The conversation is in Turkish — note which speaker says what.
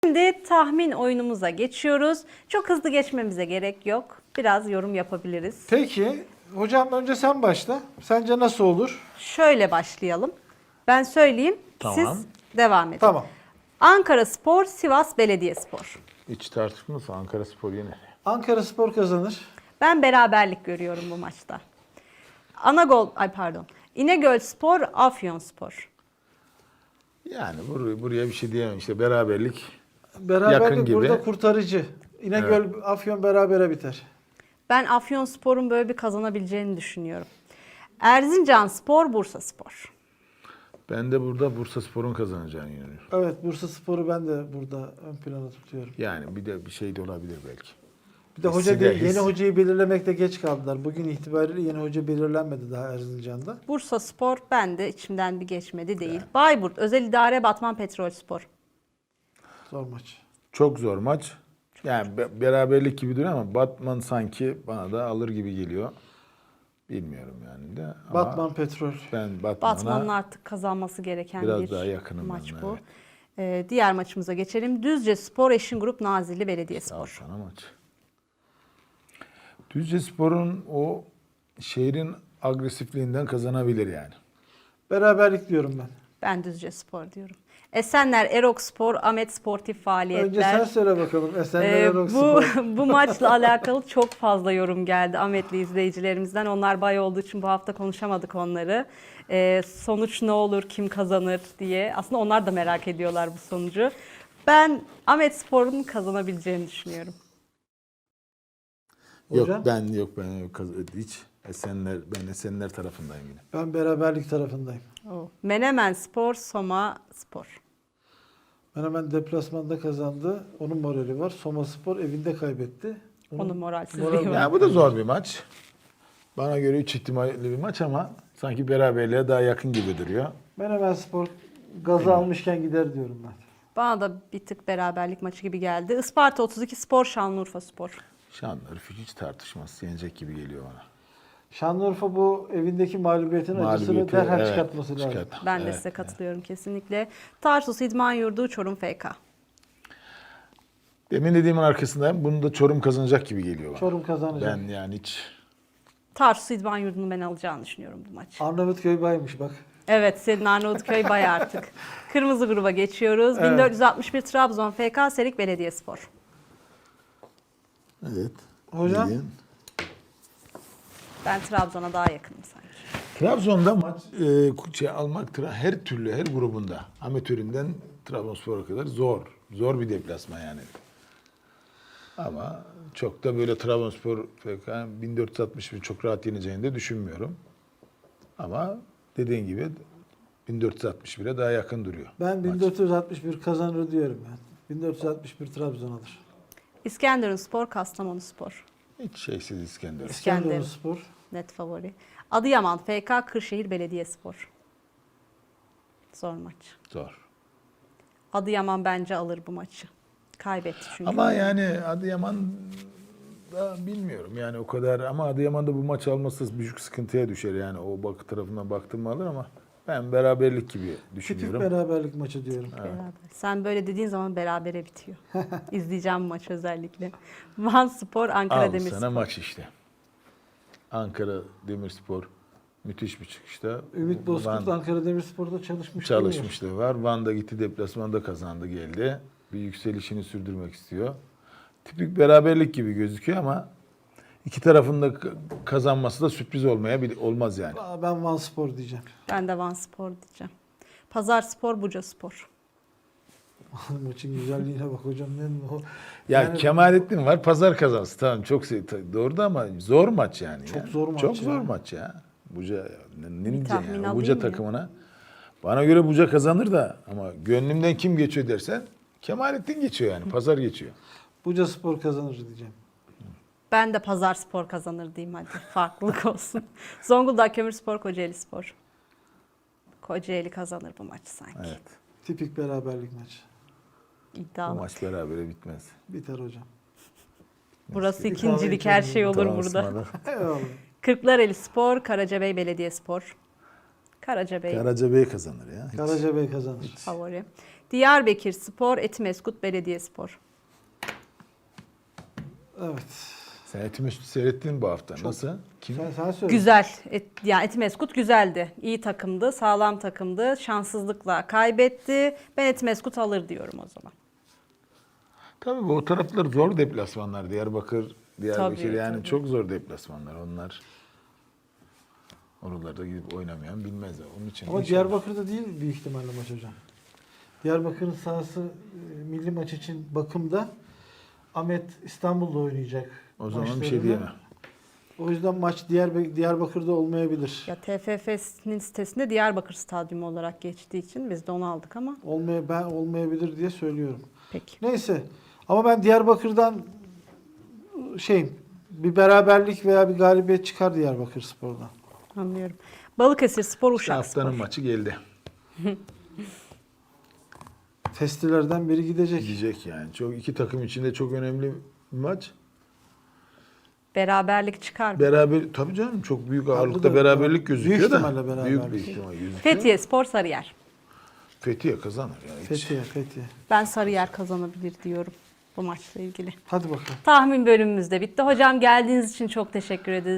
Speaker 1: Şimdi tahmin oyunumuza geçiyoruz. Çok hızlı geçmemize gerek yok. Biraz yorum yapabiliriz.
Speaker 2: Peki. Hocam önce sen başla. Sence nasıl olur?
Speaker 1: Şöyle başlayalım. Ben söyleyeyim,
Speaker 3: Tamam.
Speaker 1: siz devam edin.
Speaker 2: Tamam.
Speaker 1: Ankaraspor, Sivas Belediyespor.
Speaker 3: Hiç tartışılmazsa Ankaraspor yener.
Speaker 2: Ankaraspor kazanır.
Speaker 1: Ben beraberlik görüyorum bu maçta. İnegölspor, Afyonspor.
Speaker 3: Yani buraya bir şey diyemem. İşte beraberlik.
Speaker 2: Beraberlik
Speaker 3: Yakın gibi.
Speaker 2: burada kurtarıcı. İnegöl, Afyon berabere biter.
Speaker 1: Ben Afyonspor'un böyle bir kazanabileceğini düşünüyorum. Erzincanspor, Bursaspor.
Speaker 3: Ben de burada Bursaspor'un kazanacağını inanıyorum.
Speaker 2: Evet, Bursaspor'u ben de burada ön plana tutuyorum.
Speaker 3: Yani bir de bir şey de olabilir belki.
Speaker 2: Bir de hoca
Speaker 3: Hissiyle
Speaker 2: değil, yeni hocayı belirlemekte geç kaldılar. Bugün itibariyle yeni hoca belirlenmedi daha Erzincan'da.
Speaker 1: Bursaspor ben de içimden bir geçmedi değil. Bayburt, Özel İdare, Batman Petrolspor.
Speaker 2: Zor maç.
Speaker 3: Çok zor maç. Yani beraberlik gibi duruyor ama Batman sanki bana da alır gibi geliyor. Bilmiyorum yani de. Ama
Speaker 2: Batman Petrol.
Speaker 3: ben
Speaker 1: Batman'ın
Speaker 3: Batman'a
Speaker 1: artık kazanması gereken
Speaker 3: biraz
Speaker 1: bir
Speaker 3: daha yakınım
Speaker 1: maç
Speaker 3: ben,
Speaker 1: bu.
Speaker 3: evet.
Speaker 1: Diğer maçımıza geçelim. Düzcespor, Eşingrup, Nazilli Belediyespor.
Speaker 3: sana maç. Düzcespor'un o şehrin agresifliğinden kazanabilir yani.
Speaker 2: Beraberlik diyorum ben.
Speaker 1: Ben Düzcespor diyorum. Esenler, Erokspor, Ahmet Sportif Faaliyetler.
Speaker 2: Önce sen söyle bakalım. Esenler
Speaker 1: Bu,
Speaker 2: Erokspor.
Speaker 1: bu maçla alakalı çok fazla yorum geldi Ahmetli izleyicilerimizden. Onlar bay olduğu için bu hafta konuşamadık onları. Sonuç ne olur, kim kazanır diye. Aslında onlar da merak ediyorlar bu sonucu. Ben Ahmet Spor'un kazanabileceğini düşünüyorum.
Speaker 2: Hocam?
Speaker 3: Ben hiç ben Esenler tarafındayım yine.
Speaker 2: Ben beraberlik tarafındayım.
Speaker 1: Menemen Spor, Soma Spor.
Speaker 2: Hemen deplasmanda kazandı. Onun morali var. Soma Spor evinde kaybetti.
Speaker 1: Onun moralsizliği
Speaker 2: moral-
Speaker 1: var.
Speaker 3: Ya bu da zor bir maç. Bana göre 3 ihtimalli bir maç ama sanki beraberliğe daha yakın gibi duruyor.
Speaker 2: Menemen Spor gazı almışken gider diyorum ben.
Speaker 1: Bana da bir tık beraberlik maçı gibi geldi. Isparta 32 Spor, Şanlıurfa Spor.
Speaker 3: Şanlıurfa hiç tartışmaz. Yenecek gibi geliyor bana.
Speaker 2: Şanlıurfa bu evindeki mağlubiyetin acısını derhal çıkartması lazım.
Speaker 1: Ben de size katılıyorum kesinlikle. Tarsus İdman Yurdu, Çorum FK.
Speaker 3: Demin dediğimin arkasındayım. Bunu da Çorum kazanacak gibi geliyor bana.
Speaker 2: Çorum kazanacak.
Speaker 3: Ben yani hiç...
Speaker 1: Tarsus İdman Yurdu'nu ben alacağını düşünüyorum bu maçı.
Speaker 2: Arnavutköy baymış bak.
Speaker 1: Evet, senin Arnavutköy bay artık. Kırmızı gruba geçiyoruz.
Speaker 2: Evet.
Speaker 1: 1461 Trabzon FK, Serik Belediyespor.
Speaker 3: Evet.
Speaker 2: Hocam?
Speaker 3: Bildiğin.
Speaker 1: Ben Trabzon'a daha yakınım sanki.
Speaker 3: Trabzon'da maç almak her türlü, her grubunda amatöründen Trabzonspor'a kadar zor. Zor bir deplasman yani. Ama çok da böyle Trabzonspor 1461 çok rahat yeneceğini de düşünmüyorum. Ama dediğin gibi 1461'e daha yakın duruyor.
Speaker 2: Ben
Speaker 3: maç.
Speaker 2: 1461 kazanır diyorum ben. 1461 Trabzon alır.
Speaker 1: İskenderunspor, Kastamonuspor.
Speaker 3: Hiç şeysiz İskender.
Speaker 2: İskenderunspor.
Speaker 1: Net favori. Adıyaman FK, Kırşehir Belediyespor. Zor maç.
Speaker 3: Zor.
Speaker 1: Adıyaman bence alır bu maçı. Kaybetti çünkü.
Speaker 3: Ama yani Adıyaman da bilmiyorum yani o kadar ama Adıyaman'da bu maç alması büyük sıkıntıya düşer yani o tarafından baktım alır ama ben beraberlik gibi
Speaker 2: Tipik
Speaker 3: düşünüyorum.
Speaker 2: beraberlik maçı diyorum.
Speaker 1: Beraber. Sen böyle dediğin zaman berabere bitiyor. İzleyeceğim bu maçı özellikle. Van Spor, Ankara
Speaker 3: Al
Speaker 1: Demirspor.
Speaker 3: sana maç işte. Ankara Demirspor müthiş bir çıkışta.
Speaker 2: Ümit Bozkurt
Speaker 3: Van
Speaker 2: Ankara Demirspor'da çalışmış.
Speaker 3: çalışmışlığı var. Van'da gitti deplasmanda kazandı geldi. Bir yükselişini sürdürmek istiyor. Tipik beraberlik gibi gözüküyor ama iki tarafın da kazanması da sürpriz olmaz yani.
Speaker 2: Ben Van Spor diyeceğim.
Speaker 1: Ben de Van Spor diyeceğim. Pazar Spor, Buca Spor.
Speaker 2: Maçın güzelliğine bak hocam.
Speaker 3: Ya
Speaker 2: Yani-
Speaker 3: Kemalettin var pazar kazansın. Tamam çok doğru da ama zor maç yani.
Speaker 2: Çok
Speaker 3: ya.
Speaker 2: zor maç
Speaker 3: Çok
Speaker 2: ya.
Speaker 3: zor maç ya. Buca ne
Speaker 1: Bir
Speaker 3: diyeceksin
Speaker 1: tahmin
Speaker 3: yani?
Speaker 1: alayım
Speaker 3: Buca
Speaker 1: ya.
Speaker 3: takımına. Bana göre Buca kazanır da ama gönlümden kim geçiyor dersen Kemalettin geçiyor yani. Pazar geçiyor.
Speaker 2: Buca Spor kazanır diyeceğim.
Speaker 1: Ben de Pazar Spor kazanır diyeyim hadi. Farklılık olsun. Zonguldak Kömürspor, Kocaeli Spor. Kocaeli kazanır bu maçı sanki.
Speaker 3: Evet.
Speaker 2: Tipik beraberlik maçı.
Speaker 3: Bu
Speaker 1: İddialı.
Speaker 3: maç berabere bitmez.
Speaker 2: Biter hocam.
Speaker 1: Burası
Speaker 2: Bir
Speaker 1: ikincilik
Speaker 2: kahve
Speaker 1: her şey olur
Speaker 3: Tamam,
Speaker 1: burada.
Speaker 3: ısmarladım.
Speaker 2: Eyvallah.
Speaker 1: Kırklareli Spor, Karacabey Belediyespor. Karacabey
Speaker 3: Karacabey kazanır ya. Hiç.
Speaker 2: Karacabey kazanır.
Speaker 1: favori. Diyarbakırspor, Etimesgut Belediyespor.
Speaker 2: Evet.
Speaker 3: Sen Etimesgut'u seyrettin mi bu hafta? Nasıl? Kim?
Speaker 2: Sen söyle.
Speaker 1: Güzel. Yani Etimesgut güzeldi. İyi takımdı, sağlam takımdı. Şanssızlıkla kaybetti. Ben Etimesgut alır diyorum o zaman.
Speaker 3: Tabii bu o taraflar zor deplasmanlar. Diyarbakır
Speaker 1: Tabii,
Speaker 3: yani
Speaker 1: tabii.
Speaker 3: çok zor deplasmanlar. Onlar oralarda gidip oynamayan bilmezler. Onun için
Speaker 2: Ama
Speaker 3: inşallah.
Speaker 2: Diyarbakır'da değil büyük ihtimalle maç hocam. Diyarbakır'ın sahası milli maç için bakımda. Ahmet İstanbul'da oynayacak.
Speaker 3: O zaman bir şey
Speaker 2: maçlarını.
Speaker 3: diyemem.
Speaker 2: O yüzden maç Diyarbakır'da olmayabilir.
Speaker 1: Ya TFF'nin sitesinde Diyarbakır Stadyumu olarak geçtiği için biz de onu aldık ama
Speaker 2: Ben olmayabilir diye söylüyorum.
Speaker 1: peki.
Speaker 2: Neyse. Ama ben Diyarbakır'dan bir beraberlik veya bir galibiyet çıkar Diyarbakırspor'dan.
Speaker 1: Anlıyorum. Balıkesirspor,
Speaker 3: İşte haftanın
Speaker 1: Uşakspor.
Speaker 3: maçı geldi.
Speaker 2: Testilerden biri gidecek.
Speaker 3: Gidecek yani. Çok iki takım içinde çok önemli bir maç.
Speaker 1: Beraberlik çıkar mı?
Speaker 3: Beraber tabii canım çok büyük ağırlıkta
Speaker 2: da
Speaker 3: beraberlik gözüküyor
Speaker 2: büyük
Speaker 3: da.
Speaker 2: ihtimalle beraberlik.
Speaker 3: Büyük bir ihtimal gözüküyor.
Speaker 1: Fethiye Sarıyer.
Speaker 3: Fethiye kazanır ya. Hiç.
Speaker 2: Fethiye.
Speaker 1: Ben Sarıyer kazanabilir diyorum bu maçla ilgili.
Speaker 2: Hadi bakalım.
Speaker 1: Tahmin bölümümüz de bitti. Hocam geldiğiniz için çok teşekkür ederiz.